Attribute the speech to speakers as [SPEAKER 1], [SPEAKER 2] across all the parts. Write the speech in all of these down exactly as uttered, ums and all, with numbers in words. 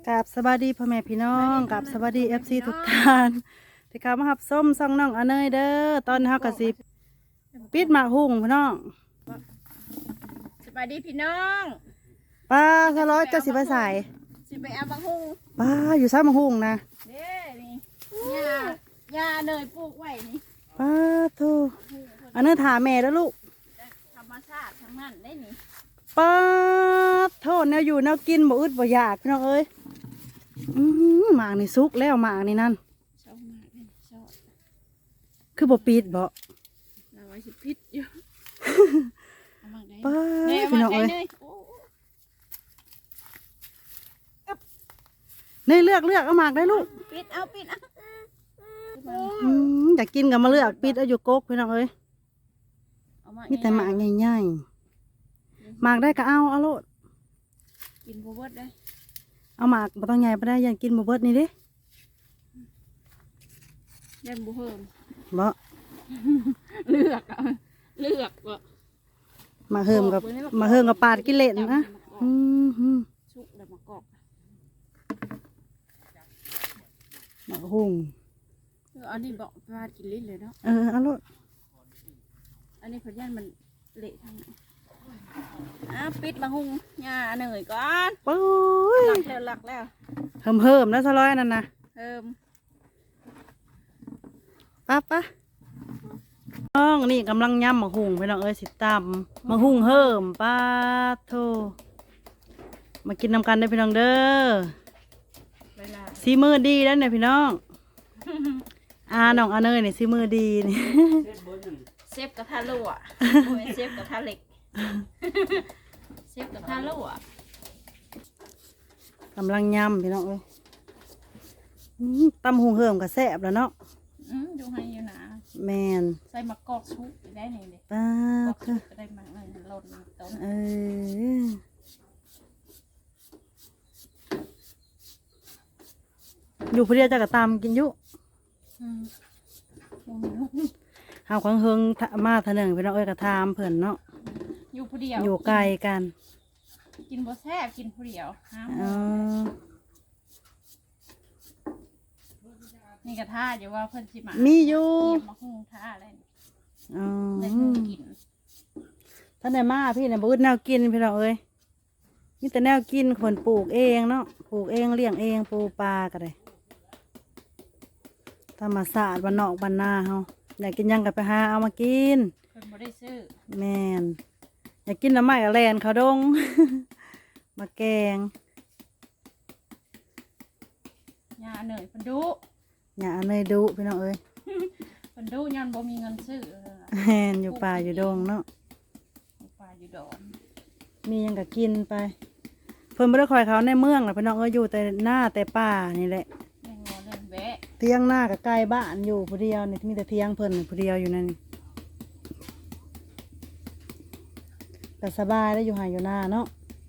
[SPEAKER 1] กับสวัสดีพ่อแม่พี่น้องกับสวัสดีเอฟซีทุกท่านที่เข้ามาหับส้มซองน้องอเนยเด้อตอนเฮากะสิปิดหมากหุ่งพี่น้อง
[SPEAKER 2] สวัสดีพี่น้อง
[SPEAKER 1] ป้าสะร้อยจะสิไปใส่
[SPEAKER 2] สิไปเอาบะฮุง
[SPEAKER 1] ป้าอยู่ซ้ำหมากหุ่งนะ
[SPEAKER 2] เด้นี่หญ้าหญ้าเนยปลูกไว้นี่
[SPEAKER 1] ป้าโธ่อันนั้นถามแม่แล้วลูก
[SPEAKER 2] ธรรมชาติทั้งนั้นได้นี่
[SPEAKER 1] ป้าโทษแนวอยู่แนวกินบ่อึดบ่อยากพี่น้องเอ้ยอื้อหือหมากนี่สุกแล้วหมากนี่นั่น
[SPEAKER 2] ชอบมากเลยชอบ
[SPEAKER 1] คือบ่ปิดบ่
[SPEAKER 2] เราไว้สิพิษอยู่
[SPEAKER 1] ป้าพี่น้องเอ้ยนี่เลือกเลือกเอาหมากได้ลูก
[SPEAKER 2] ปิดเอาปิดเอา
[SPEAKER 1] อืมอยากกินกับมาเลือกปิดเอาอยู่กกพี่น้องเอ้ยมีแต่หมากใหญ่ๆหมากได้ก็เอาเอาโลด
[SPEAKER 2] กินบัวเบิดได้
[SPEAKER 1] เอาหมากบ่ต้องใหญ่บ่ได้ยังกินบ่เบิดนี่เด้
[SPEAKER 2] ยันบัวเพิ่ม
[SPEAKER 1] บ่
[SPEAKER 2] เลือกเลือกบ่
[SPEAKER 1] มาเฮิมกับมาเฮิมกับปาดกิเลสนะอืม
[SPEAKER 2] ชุกแล้วมากอก
[SPEAKER 1] หมากหุ่ง
[SPEAKER 2] อันนี้บอกปาดกินลิ้นเลยเนาะ
[SPEAKER 1] เออเอาโลด
[SPEAKER 2] อันนี้พยันมันเละทางไหนอ่ะปิดมาหุงหญ้าเหนื่อยก่อน
[SPEAKER 1] ปุ้ย
[SPEAKER 2] หลักแล้วหลักแล้ว
[SPEAKER 1] เฮิมเฮิมนะสะร้อยนั่นนะ
[SPEAKER 2] เฮิม
[SPEAKER 1] ปั๊บปะน้องนี่กำลังย่ำหมากหุ่งพี่น้องเอ้ยสิตำหมากหุ่งเฮิมป้าโธ่มากินน้ำกันได้พี่น้องเด้อซีมือดีแล้วเนี่ยพี่น้องอาน้องอาเนยเนี่ยซีมือดีนี่
[SPEAKER 2] เซฟกระทะรั่วเซฟกระทะเหล็กเซฟกระทะรั่ว
[SPEAKER 1] กำลังย่ำพี่น้องเอ้ยตำหุงเฮิมกับแซ่บแล้วเนาะ
[SPEAKER 2] ดูให้อยู่นะ
[SPEAKER 1] แมน
[SPEAKER 2] ใส่มะกอกชุบได้ไหนเลย
[SPEAKER 1] ป้า
[SPEAKER 2] คือได้มากเลยหล่นต้น
[SPEAKER 1] เอออยู่พอดีจะกระตำกินยุหาความเฮิงมาเถนึงพี่น้องเอ้ยกระทามเผื่อนเนาะ
[SPEAKER 2] อยู่ผู้เดียว
[SPEAKER 1] อยู่ไกลกัน
[SPEAKER 2] กินบ่แซ่บกินผู้เดียว
[SPEAKER 1] อ๋อ
[SPEAKER 2] นี่กระทะอยู่ว่าเพิ่นสิมา
[SPEAKER 1] มีอยู่
[SPEAKER 2] มาหุงท่าอะไร
[SPEAKER 1] อ๋อ
[SPEAKER 2] ได้หุงกิน
[SPEAKER 1] ท่านไหนมาพี่เนี่ยบูดแนวกินพี่น้องเอ้ยนี่แต่แนวกินคนปลูกเองเนาะปลูกเองเลี้ยงเองปลูกปลาก็ได้ธรรมศาสตร์บ้านนอกบ้านนาเฮาอยากกินยังกับไปหาเอามากิน
[SPEAKER 2] เพิ่นบ่ได้ซื้อ
[SPEAKER 1] แมนอยากกินน้ำไม้กับแลนเขาดง มาแกง
[SPEAKER 2] หญ้าเหนื่อยเพิ่นดุ
[SPEAKER 1] หญ้าเนยดุพี่น้องเอ้ย
[SPEAKER 2] เพิ่นดุย้อนบ่มีเงินซื้อ
[SPEAKER 1] แมนอยู่ป่าอยู่ดงเนาะ
[SPEAKER 2] อยู่ป่าอยู่ดอน
[SPEAKER 1] มียังกับกินไปเพิ่นไม่ได้คอยเขาในเมืองหรอกพี่น้องเอ้ยอยู่แต่หน้าแต่ป่านี่แหละเทียงหน้ากับไกลบ้านอยู่ผู้เดียวนี่มีแต่เทียงเพิ่นผู้เดียวอยู่นั่นแต่สบายได้อยู่หายอยู่หน้าเนาะ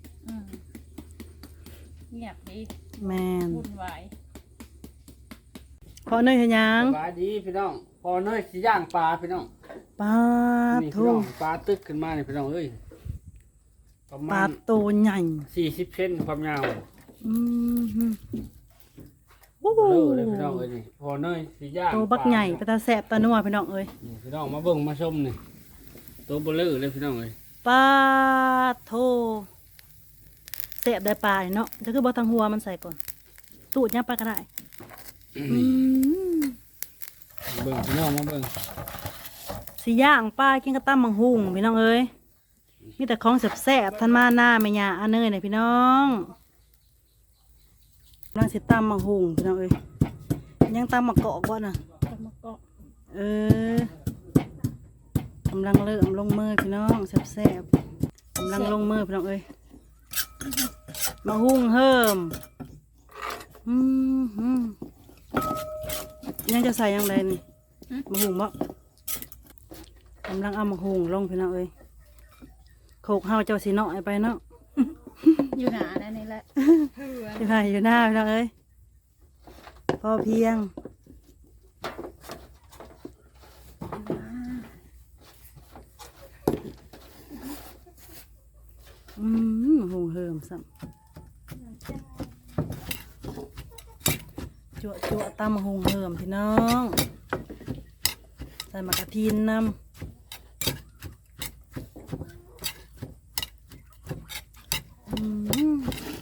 [SPEAKER 2] เงียบดี
[SPEAKER 1] แมน
[SPEAKER 2] วุ่นวาย
[SPEAKER 1] พอเนยเห็นยัง
[SPEAKER 3] ปลาดีพี่น้องพอเนยสิย่างปลาพี่น้อง
[SPEAKER 1] ปลา
[SPEAKER 3] ทูปลาตึกขึ้นมาเนี่ยพี่น้องเอ้ย
[SPEAKER 1] ปลาตัวใหญ่
[SPEAKER 3] สี่สิบเซนความยาว
[SPEAKER 1] อืม
[SPEAKER 3] โอ้โหเลยพี่น้องเอ้ยนี่พอเนยสีย่าง
[SPEAKER 1] ตัวบักใหญ่ตาแสบตาหนัวพี่น้องเอ้ย
[SPEAKER 3] พี่น้องมาเบิ่งมาชมนี่ตัวเบลอเลยพี่น้องเอ้ย
[SPEAKER 1] ปลาโถแสบได้ปลาเนาะจะคือบอทางหัวมันใส่ก่อนตูดเนี่ยปลาก็ได้
[SPEAKER 3] เบิ่งพี่น้องมาเบิ่ง
[SPEAKER 1] สีย่างปลากินกระตั้มมังหุงพี่น้องเอ้ยมีแต่ของแสบๆท่านมาหน้าไม่ยาอันเนยเนี่ยพี่น้องกำลังสิตำมังหุงพี่น้องเอ้ยยังตำมะเกาะก่อนนะ
[SPEAKER 2] ตำมะเกาะ
[SPEAKER 1] เออกำลังเริ่มลงมือพี่น้องแสบๆกำลังลงมือพี่น้องเอ้ยมังหุงเฮิมอืมยังจะใส่ยังไงนี่มังหุงบ่กำลังเอามังหุงลงพี่น้องเอ้ยโขกเฮาเจ้าสีเนาะไปเนาะ
[SPEAKER 2] อยู่หนาแน่นี่แหละ
[SPEAKER 1] อยู่ไหนอยู่หน้าพี่น้องเอ้ยพอเพียงอืมหงเหิมซ้ำจั่วจั่วตำมะฮุงเหิมพี่น้องใส่มะกะทินน้ำอืม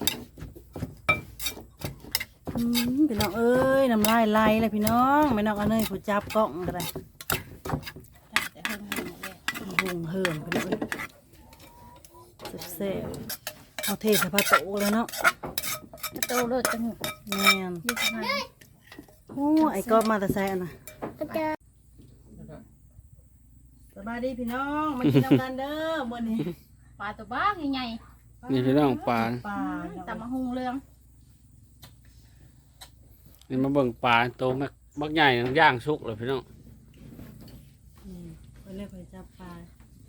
[SPEAKER 1] อืมพี่น้องเอ้ยน้ำลายไหลเลยพี่น้องไม่น้องเอาเนยผู้จับกล้องก็ได้
[SPEAKER 2] แต่เพิ่งเห็นเลย
[SPEAKER 1] มะฮุงเหิมพี่น้องเอ้ยแซ่บๆเอาเทใส่ผ้าโต๊ะเลยเนาะ
[SPEAKER 2] กระโตเลิศจัง
[SPEAKER 1] แม่น
[SPEAKER 2] ยี่สิบห้า
[SPEAKER 1] โอ้ไอ้ก็มาแต่แซ่นะสบายดีพี่น้องมากินน้ำกันเด้อมื้อนี้
[SPEAKER 2] ปลาตัวบ้างใหญ่
[SPEAKER 3] นี่พี่น้องปลา
[SPEAKER 1] ปลา
[SPEAKER 2] ๆตำมะฮุงเรือง
[SPEAKER 3] นี่มาเบิ่งปลาโตมักบักใหญ่ย่างสุกเลยพี่น้อง
[SPEAKER 1] อืมเพิ่นเลยเพิ่นจับปลา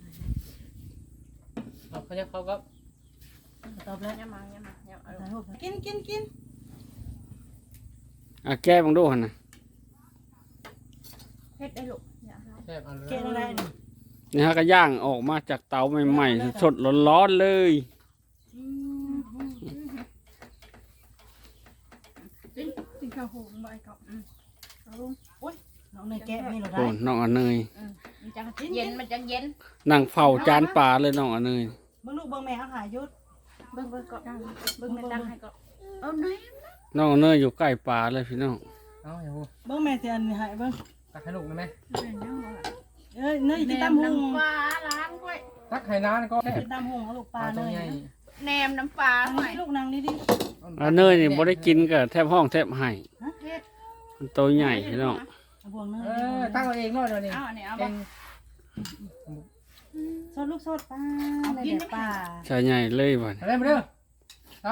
[SPEAKER 3] เขาจะเขาก็
[SPEAKER 1] ตอบแล้ว
[SPEAKER 2] เนี่ยมาเนี่ยมาเนี่ยเอา
[SPEAKER 1] ถ่ายรูปกินกินกิน
[SPEAKER 3] อ่ะแก้บังดูหั่นน่ะ
[SPEAKER 2] เฮ็ดได้ลูกอย่าเอา
[SPEAKER 3] แก้เอาเลย
[SPEAKER 1] เกะอะไรนี่
[SPEAKER 3] นี่ฮะก็ย่างออกมาจากเตาใหม่ๆสดๆร้อนๆเลย
[SPEAKER 1] อืม
[SPEAKER 2] กินกินข้าวหุงใบกับอืมเอาลูก
[SPEAKER 1] น้องเนยแกะนี่เราได้
[SPEAKER 3] โอ้น้องอเนย
[SPEAKER 2] อืมมันจังเย็นมันจังเย็น
[SPEAKER 3] นั่งเฝ้าจานปลาเลยน้องอเนย
[SPEAKER 1] เบิ่งลูกเบิ่งแม่เอาหายยุด
[SPEAKER 2] เบิ่งเบิ่งก็ดังเบิ่งแม่ดังให้ก็เอาหน่อย
[SPEAKER 3] น้องอเนยอยู่ใกล้ปลาเลยพี่น้อง
[SPEAKER 4] เอาอย่าพูด
[SPEAKER 1] เบิ่งแม่สิอันนี้หายเบิ่ง
[SPEAKER 4] ตักให้ลูกได้ไหม
[SPEAKER 2] แม่ยังบ่ล่ะ
[SPEAKER 1] เอ้ยเนยกิน
[SPEAKER 2] แหน
[SPEAKER 1] ตำ
[SPEAKER 2] ม
[SPEAKER 1] หุง
[SPEAKER 2] น้ำปลาล้างไว้
[SPEAKER 4] ตักให้น้าก็แซ่บ
[SPEAKER 1] กินตำหุงเอาลูกป
[SPEAKER 4] ป
[SPEAKER 1] ลา
[SPEAKER 4] ลา
[SPEAKER 1] เน
[SPEAKER 4] ตัวย ใหญ่
[SPEAKER 2] แหนมน้ำปลา
[SPEAKER 1] อัน
[SPEAKER 2] ไว้
[SPEAKER 1] นี้ลูกนางนี่ดิ
[SPEAKER 3] อเนยนี่บ่ได้กินก็แทบห้องแทบไห้
[SPEAKER 2] เฮ็ด
[SPEAKER 3] มันตัวใหญ่พี่น้อง
[SPEAKER 1] เอาบวงเนย
[SPEAKER 4] เออตั้งเอาเองเนาะเดี๋ยวนี้
[SPEAKER 2] เอาอันนี้เอา
[SPEAKER 4] เอ
[SPEAKER 2] บ่
[SPEAKER 4] ง
[SPEAKER 1] สดลูกสดปลาในแดดปลา
[SPEAKER 3] ใช่ใหญ่เลยบ่น
[SPEAKER 4] มาเร็วมาเร็วเอา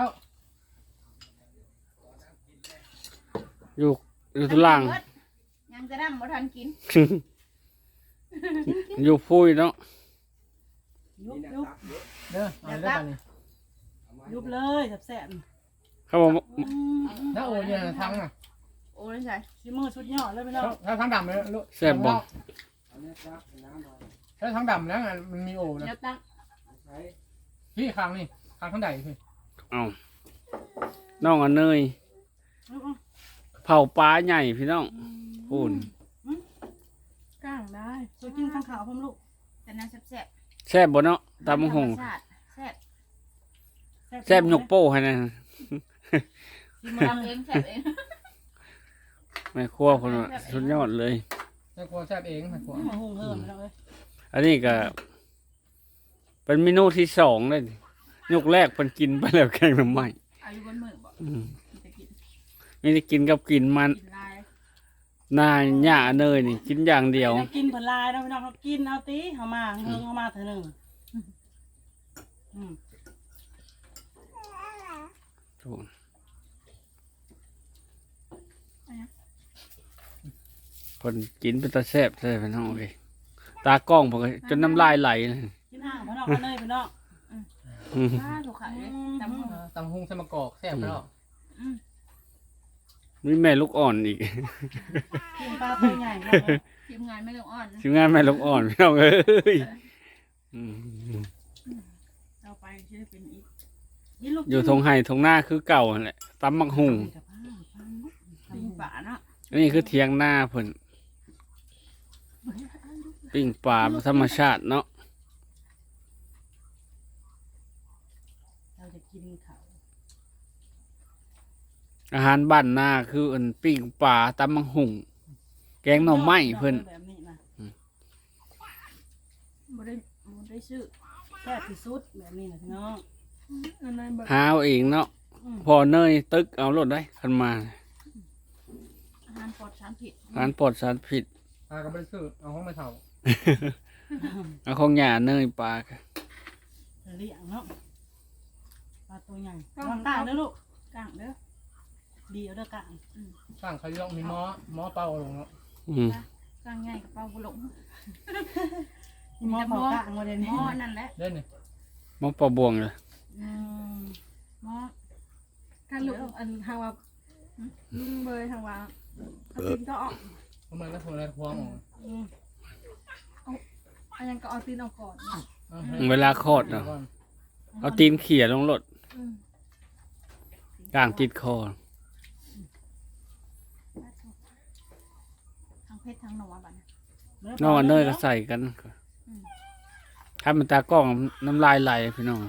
[SPEAKER 3] อยู่อยู่ทุลัง
[SPEAKER 2] ยังจะดำบ่ทันกิน
[SPEAKER 3] อยู่พุ้ยเนาะ
[SPEAKER 1] ยุบยุบ
[SPEAKER 4] เด้อเอาเด้อตอนนี้
[SPEAKER 1] ยุบเลยแซ่บ
[SPEAKER 3] เขาบอก
[SPEAKER 1] ๆอืม
[SPEAKER 4] แล้วโอ้ยทั้งอ่ะ
[SPEAKER 2] โอ้ยใส่
[SPEAKER 1] สิมือสุดยอดเลยพี่น้อง
[SPEAKER 4] แล้วทั้งดำเลยลูก
[SPEAKER 3] แซ่บบ่
[SPEAKER 4] แล้วทั้งดำแล้วมันมีโอ้นะ
[SPEAKER 2] เดี๋ยวตั้ง
[SPEAKER 4] พี่คางนี่คางข้างใดพี่
[SPEAKER 3] เอาน้องอเนย
[SPEAKER 1] เอา
[SPEAKER 3] เผาปลาใหญ่พี่น้องพูน
[SPEAKER 2] ก้างได้
[SPEAKER 1] ๆสวยกินข้างขาวผมลูก
[SPEAKER 2] แต่น่าแซ่บ
[SPEAKER 3] แซ่บบ่เนาะ
[SPEAKER 2] ๆ
[SPEAKER 3] ตำบักหง
[SPEAKER 2] ธรรมชาติแซ่บ
[SPEAKER 3] แซ่บยกโป้ให้นะ
[SPEAKER 1] สิมา
[SPEAKER 2] ทำเองแซ่บเอง
[SPEAKER 3] แม่ครัวคนว่าสุดยอดเลย
[SPEAKER 4] แม่ครัวแซ่บเองแม่ครัว
[SPEAKER 1] มาหุงเหิมพี่น้องเอ้ย
[SPEAKER 3] อันนี้ก็ เป็นเมนูที่สองเลยยกแรกเพิ่นกินไปแล้วแกงหน่อไม้
[SPEAKER 2] อายุบนมือบ่
[SPEAKER 3] อืม
[SPEAKER 2] จะกิน
[SPEAKER 3] ไม่ได้กินกับกินมัน
[SPEAKER 2] กินลาย
[SPEAKER 3] นายหญ้าเนยนี่ กินอย่างเดียว
[SPEAKER 1] ได้กินผลลายเนาะพี่น้องเขากินเอาตีเอามาเฮิงเอามาเถอะหนึ่งอืม
[SPEAKER 3] คนกินเป็นตาแซ่บใช่ไหมน้องโอเคตากล้องผมก็จนน้ำลายไหลเลย
[SPEAKER 1] กินห่างพี่น้องเอาเลยพี่น้อง
[SPEAKER 3] อืม
[SPEAKER 2] ป้าถูกขายเลยตำหู
[SPEAKER 4] ตำหุงใส่มะกอกแซ่บแล้ว
[SPEAKER 3] มีแม่ลูกอ่อนอีก
[SPEAKER 1] กินปลาตัวใหญ่เนาะ
[SPEAKER 2] ทีมงานไม่ต้องอ่อน
[SPEAKER 3] ทีมงานแม่ลูกอ่อนพี่น้องเอ้ยอืม
[SPEAKER 2] เราไปชื่อเป็นอีก
[SPEAKER 1] กินลูก
[SPEAKER 3] อยู่ทงไห่ทงหน้าคือเก่าหั่นแหละตำมักหุง
[SPEAKER 2] ปีป่าเนาะ
[SPEAKER 3] อันนี้คือเทียงหน้าเพิ่นปิ้งปลาธรรมชาติเนาะ
[SPEAKER 1] เราจะกินเขา
[SPEAKER 3] อาหารบ้านหน้าคืออันปิ้งปลาตำมักหุงแกงหน่อไม้เพิ่น
[SPEAKER 1] แบบนี้นะ
[SPEAKER 2] บ่ได้บ่ได้ซื้อ
[SPEAKER 1] แซ่บที่สุดแบบนี้นะพี่น้อง
[SPEAKER 2] อันนั้นแบบ
[SPEAKER 3] หาเอาเองเนาะ
[SPEAKER 1] อืม
[SPEAKER 3] พอเนยตึกเอารถได้คันมา
[SPEAKER 2] อาหารปลอดสารพิษ
[SPEAKER 3] ร้านปลอดสารพิษ
[SPEAKER 4] ตาก็ไม่ได้ซื้อเอาห้องไม่เท่า
[SPEAKER 3] เอาของหญ้าเนยปลาค่ะ
[SPEAKER 1] เลี้ยงเนาะปลาตัวใหญ่วางกลางเด้อลูก
[SPEAKER 2] กลางเด้อ
[SPEAKER 1] ดีเอาเด้อกลาง
[SPEAKER 4] สร้างเขายกมีหม้อหม้อเป่าลงเนาะ
[SPEAKER 3] อืม
[SPEAKER 2] กลางใหญ่กับเป้าบ่หลง
[SPEAKER 1] มีหม้อเผากลางมาเดี๋ยว
[SPEAKER 2] ห
[SPEAKER 1] นี้
[SPEAKER 2] ม้อนั่นแหละ
[SPEAKER 4] เล่นนี่
[SPEAKER 3] มะปลาบวงเลย
[SPEAKER 1] อืม
[SPEAKER 2] หม้อ
[SPEAKER 5] ถ้าลุงอันทางว่าลุงเบยทางว่าเอาตีนก็ออก
[SPEAKER 4] เพราะมันก็โทรแล้วควงออก
[SPEAKER 1] อืม
[SPEAKER 5] อันยังก็เอาตีนออกก่อน
[SPEAKER 4] เอาให้
[SPEAKER 3] เวลาคลอดเนาะเอาตีนเขี่ยลงรถ
[SPEAKER 5] อืม
[SPEAKER 3] กลางติดคอ
[SPEAKER 2] ฮ็ดทั้งหนอบัดนี้
[SPEAKER 3] น้องอันเนยก็ใส่กันถ้ามันตากล้องน้ำลายไหลพี่น้อง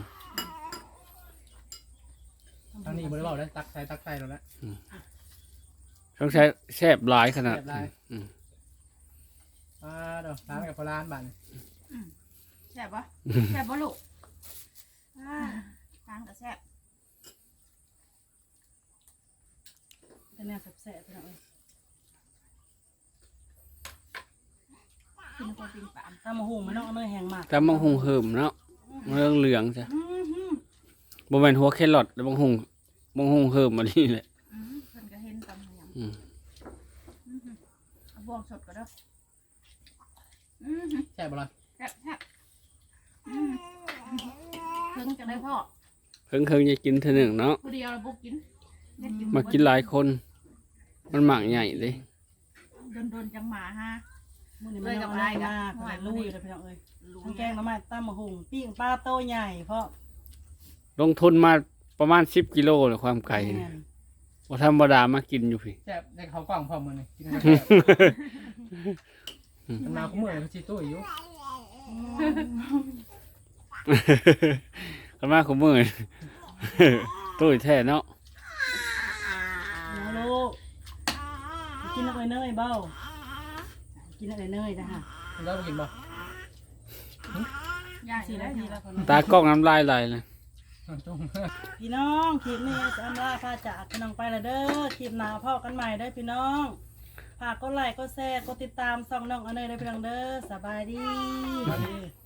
[SPEAKER 4] ทางนี้บริวารได้ตักใส่ตักใส่แล้วนะ
[SPEAKER 3] ต้องใช้แซ่บหลายขนาด
[SPEAKER 4] แซ่บหลาย
[SPEAKER 3] อืม
[SPEAKER 4] อ่าเดี๋ยวร้านกับพลานบ้าน
[SPEAKER 2] แซ่บปะแซ่บปะลูกอ่าทางก็แซ่บ
[SPEAKER 1] เป็นแนวแซ่บๆพี่น้องเอ้ย
[SPEAKER 2] กินกับปิ้งปลา
[SPEAKER 1] ตำมะฮุงมันน้องอันเนยแห้งมาก
[SPEAKER 3] แต่บางหงเหิมเนาะเรื่องเหลืองจ้ะ
[SPEAKER 1] อื้อหือ
[SPEAKER 3] บ่แม่นหัวแครอทแต่บางหงบางหงเหิมมานี่แหละ
[SPEAKER 2] อืมเพิ่นก็เห็นตำอย่าง
[SPEAKER 3] อืม
[SPEAKER 2] อื้อหือเอาบวงสดก็ได้อือหือ
[SPEAKER 4] แซ่บบ่ล่ะ
[SPEAKER 2] แซ่บแซ่บอืมเพิ่งจะได้พ่อ
[SPEAKER 3] เพิ่งเคยจะกินเท่านึงเนาะ
[SPEAKER 2] ผู้เดียวเราบุกกินเฮ็ด
[SPEAKER 3] มากินหลายคน มันหมากใหญ่เลย
[SPEAKER 2] โดนโดนๆจังหมาฮะ
[SPEAKER 1] มื้อนี้มันน้องอันเนยมากเลยลุยเลยพี่น้องเอ้ย
[SPEAKER 2] ลุง
[SPEAKER 1] ทั้งแกงหน้ำมันตำมะฮุงปิ้งปลาโตใหญ่เพราะ
[SPEAKER 3] ลงทุนมาประมาณสิบกิโลเลยความไก่
[SPEAKER 1] แม่
[SPEAKER 3] เนี่ย
[SPEAKER 1] น
[SPEAKER 3] บ่ธรรมดามากินอยู่พี่
[SPEAKER 4] แซ่บได้เขากล้องพร้อมมือนี่กินกันมันมาคู่มือเขาชีตู้อยู่
[SPEAKER 3] กันมาคุมือ ตุ้ยแท้เนาะ
[SPEAKER 1] เอาลูกกินอะไรเนยเบ้ากินอะไรเนยนะฮะ
[SPEAKER 4] มันแล้วกินบ่
[SPEAKER 2] ย่าง
[SPEAKER 1] สี่
[SPEAKER 2] สี่
[SPEAKER 1] นา
[SPEAKER 2] นา
[SPEAKER 1] ที
[SPEAKER 2] ที
[SPEAKER 1] แล้
[SPEAKER 2] แล้ว ว
[SPEAKER 1] คน
[SPEAKER 3] ตากล้องน้ำลายไหลเลย
[SPEAKER 4] จง
[SPEAKER 1] พี่น้องคลิปนี้จะอำลาพาจากพี่น้องไปและเด้อคลิปหน้าพ่อกันใหม่เด้อพี่น้องฝากกดไลค์กดแชร์กดติดตามส่องน้องอันเนยเด้อพี่น้องเด้อสบายดี